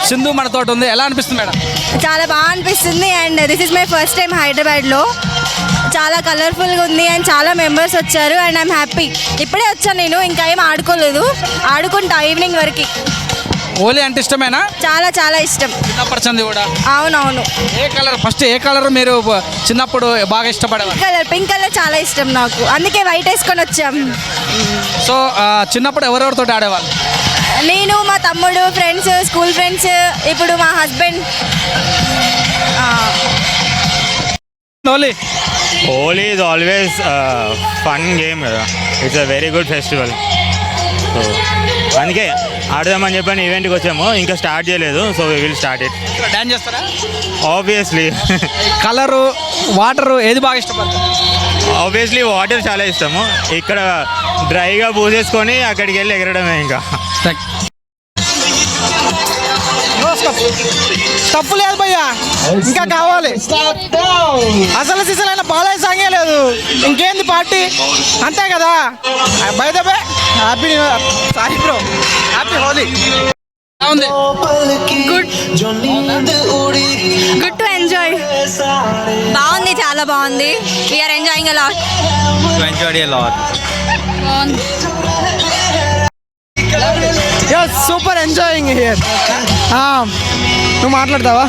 సింధు మనతో ఉంది. ఎలా అనిపిస్తుంది మేడం? చాలా బాగా అనిపిస్తుంది. And this is my first time హైదరాబాద్లో. చాలా కలర్ఫుల్గా ఉంది అండ్ చాలా మెంబర్స్ వచ్చారు అండ్ ఐఎమ్ హ్యాపీ. ఇప్పుడే వచ్చాను నేను, ఇంకా ఏం ఆడుకోలేదు, ఆడుకుంటా ఈవినింగ్ వరకు. హోలీ అంటే ఇష్టమేనా? చాలా చాలా ఇష్టం. చిన్నప్పటి సంది కూడా? అవునవును. ఫస్ట్ ఏ కలర్ మీరు చిన్నప్పుడు బాగా ఇష్టపడేవారు? పింక్ కలర్ చాలా ఇష్టం నాకు, అందుకే వైట్ వేసుకొని వచ్చాం. సో చిన్నప్పుడు ఎవరెవరితో ఆడేవాళ్ళు? నేను, మా తమ్ముడు, ఫ్రెండ్స్, స్కూల్ ఫ్రెండ్స్, ఇప్పుడు మా husband. Holi is always a fun game కదా. It's a very good festival. So అందుకే ఆడదామని చెప్పని ఈవెంట్కి వచ్చాము, ఇంకా స్టార్ట్ చేయలేదు. So we will start it. Dance చేస్తారా? ఆబ్వియస్లీ. కలరు, వాటరు ఏది బాగా ఇష్టపడతారు? ఆబ్వియస్లీ వాటర్ చాలా ఇష్టము. ఇక్కడ డ్రైగా పూసేసుకొని అక్కడికి వెళ్ళి ఎగరడమే. ఇంకా తప్పు లేదు భయ్యా, ఇంకా కావాలి. అసలు సిసలైన బాలయ్య సాంగే లేదు, ఇంకేంది పార్టీ, అంతే కదా. By the way happy sorry bro, happy Holi. Good to enjoy. బాగుంది, చాలా బాగుంది. We're enjoying a lot. Super enjoying here. నువ్వు మాట్లాడతావా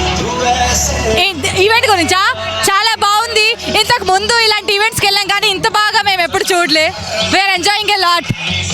ఈవెంట్ గురించా? చాలా బాగుంది. ఇంతకు ముందు ఇలాంటి ఈవెంట్స్కి వెళ్ళాం కానీ ఇంత బాగా మేము ఎప్పుడు చూడలే. We're enjoying a lot.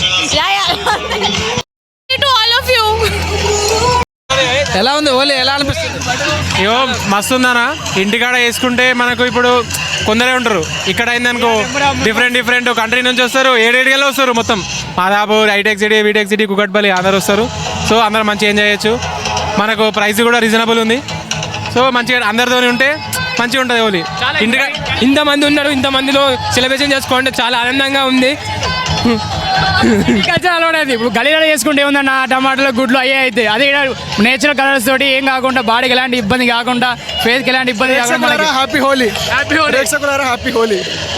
To all of you. ఎలా ఉంది హోలీ? ఎలా అనిపిస్తుంది? అయ్యో మస్తు ఉందనా. ఇంటికాడ వేసుకుంటే మనకు ఇప్పుడు కొందరే ఉంటారు, ఇక్కడ అయిందనుకో డిఫరెంట్ కంట్రీ నుంచి వస్తారు, ఏడేడిగా వస్తారు. మొత్తం Madhapur, hitech city, btech city, Kukatpally అందరు వస్తారు. సో అందరు మంచిగా ఎంజాయ్ చేయొచ్చు. మనకు ప్రైస్ కూడా రీజనబుల్ ఉంది. సో మంచిగా అందరితో ఉంటే మంచిగా ఉంటుంది హోలీ. ఇంటికా ఇంతమంది ఉన్నారు, ఇంతమందిలో సెలబ్రేషన్ చేసుకోండి, చాలా ఆనందంగా ఉంది. అలవాడేది ఇప్పుడు గలీలో చేసుకుంటే ఏముందన్న, టమాటాలు, గుడ్లు అయ్యే అయితే అదే నేచురల్ కలర్స్ తోటి ఏం కాకుండా, బాడీకి ఎలాంటి ఇబ్బంది కాకుండా, ఫేస్కి ఎలాంటి ఇబ్బంది కాకుండా. Happy Holi, happy Holi, happy Holi.